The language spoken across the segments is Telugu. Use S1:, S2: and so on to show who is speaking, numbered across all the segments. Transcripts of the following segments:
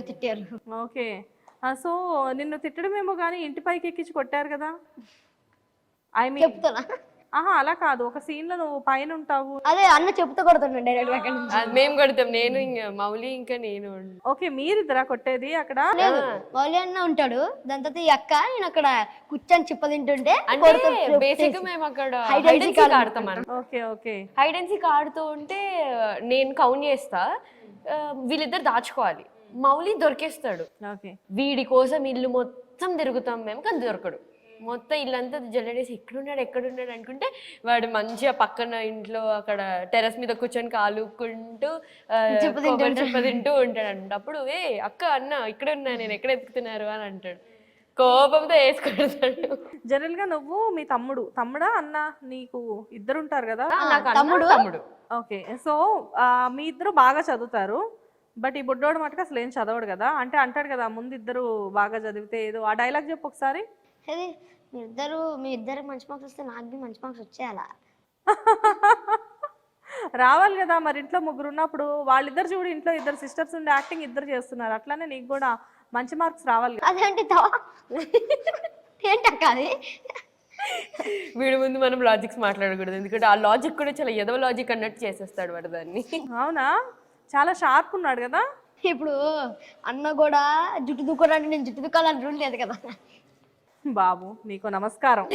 S1: తిట్టారు.
S2: ఓకే. సో నిన్ను తిట్టడమేమో కానీ ఇంటి పైకి ఎక్కించి కొట్టారు కదా? ఐ మీన్
S1: చెప్తానా?
S2: ఆహా అలా కాదు, ఒక సీన్ లో నువ్వు పైన ఉంటావు.
S1: అదే అన్న చెప్తూ కొడుతుండే డైరెక్ట్ అక్కడి నుంచి.
S3: అది మేము కొడతాం, నేను ఇంకా మౌలి ఇంకా నేను.
S2: ఓకే, మీరిద్దరా కొట్టేది అక్కడ?
S1: లేదు, మౌలి అన్న ఉంటాడు, దాని తర్వాత ఈ అక్క నేను అక్కడ కూర్చొని చిప్ప తింటుంటే
S3: అంటే బేసిక్ మేము అక్కడ హైడ్ అండ్ సీక్ ఆడతాం.
S2: Okay okay.
S3: Hide and seek ఆడుతూ ఉంటే నేను కౌంట్ చేస్తా, వీళ్ళిద్దరు దాచుకోవాలి, మౌలి దొరికేస్తాడు.
S2: ఓకే.
S3: వీడి కోసం ఇల్లు మొత్తం తిరుగుతాం మేము, కానీ దొరకడు. మొత్తం ఇల్లంతా జల్లడేసి ఎక్కడున్నాడు అనుకుంటే వాడు మంచిగా పక్కన ఇంట్లో అక్కడ టెర్రస్ మీద కూర్చొని కాలుకుంటూ చిప్ప తింటూ ఉంటాడు అంట. అప్పుడు అక్క అన్న ఇక్కడ ఉన్నా, నేను ఎక్కడ ఎత్తుకుతున్నారు అని అంటాడు, కోపంతో వేసుకుంటాడు.
S2: జనరల్ గా నువ్వు మీ తమ్ముడా అన్న, నీకు ఇద్దరు ఉంటారు కదా?
S3: తమ్ముడు.
S2: ఓకే. సో మీ ఇద్దరు బాగా చదువుతారు, బట్ ఈ బుడ్డోడు మటుకు అసలు ఏం చదవడు కదా? అంటే అంటాడు కదా ముందు ఇద్దరు బాగా చదివితే ఏదో, ఆ డైలాగ్ చెప్పు ఒకసారి.
S1: అది మీ ఇద్దరు మంచి మార్క్స్ వస్తే నాకు బి మంచి మార్క్స్ వచ్చేయాలా?
S2: రావాలి కదా మరి, ఇంట్లో ముగ్గురు ఉన్నప్పుడు. వాళ్ళిద్దరు చూడు, ఇంట్లో ఇద్దరు సిస్టర్స్ ఉండి యాక్టింగ్ ఇద్దరు చేస్తున్నారు, అట్లానే నీకు కూడా మంచి మార్క్స్ రావాలి కదా?
S1: అదేంటి ఏంటక్క అది?
S3: వీడి ముందు మనం లాజిక్స్ మాట్లాడకూడదు, ఎందుకంటే ఆ లాజిక్ కూడా చాలా ఎదవ లాజిక్ అన్నట్టు చేసేస్తాడు వాడు దాన్ని.
S2: అవునా? చాలా షార్ప్ ఉన్నాడు కదా.
S1: ఇప్పుడు అన్న కూడా జుట్టు దుక్కోడానికి నేను జుట్టు దుక్కాలని రూల్ లేదు కదా.
S2: బాబు నీకు నమస్కారం.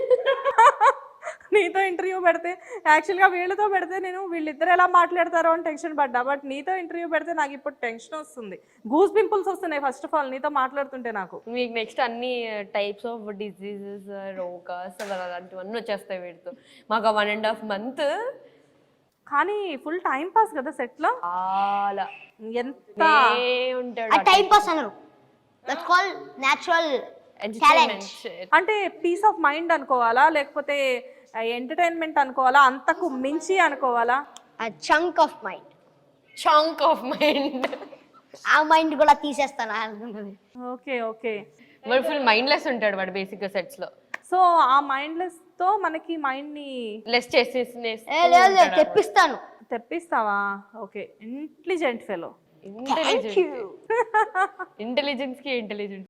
S2: నీతో ఇంటర్వ్యూ పెడితే, యాక్చువల్గా వీళ్ళతో పెడితే నేను వీళ్ళిద్దరు ఎలా మాట్లాడతారో అని టెన్షన్ పడ్డా, బట్ నీతో ఇంటర్వ్యూ పెడితే నాకు ఇప్పుడు టెన్షన్ వస్తుంది, గూస్ పింపుల్స్ వస్తున్నాయి ఫస్ట్ ఆఫ్ ఆల్ నీతో మాట్లాడుతుంటే. నాకు
S3: మీకు నెక్స్ట్ అన్ని టైప్స్ ఆఫ్ డిసీజెస్, రోగాస్ అలాంటివన్నీ వచ్చేస్తాయి వీడితో. మాకు 1.5 month
S2: కానీ ఫుల్ టైం పాస్ కదా సెట్ లో.
S3: చాలా
S2: ఎంత
S3: ఉంటాడు
S1: టైం పాస్ అన్నారు, దట్స్ కాల్ నేచురల్
S3: ఎంటర్టైన్మెంట్.
S2: అంటే పీస్ ఆఫ్ మైండ్ అనుకోవాలా, లేకపోతే ఎంటర్టైన్మెంట్ అనుకోవాలా, అంతకు మించి అనుకోవాలా?
S1: Chunk of mind.
S3: Chunk of mind.
S1: ఆ మైండ్ కూడా తీసేస్తాను అనుకుంటుంది.
S2: Okay okay.
S3: వాడు ఫుల్ మైండ్లెస్ ఉంటాడు వాడు బేసిక్ గా సెట్స్ లో.
S2: సో ఆ మైండ్లెస్ తో మనకి మైండ్ ని
S3: లెస్ చేసేసి
S1: లేదు తెప్పిస్తాను.
S2: తెప్పిస్తావా? ఓకే. Intelligent fellow.
S3: ఇంటెలిజెన్స్ కి ఇంటెలిజెంట్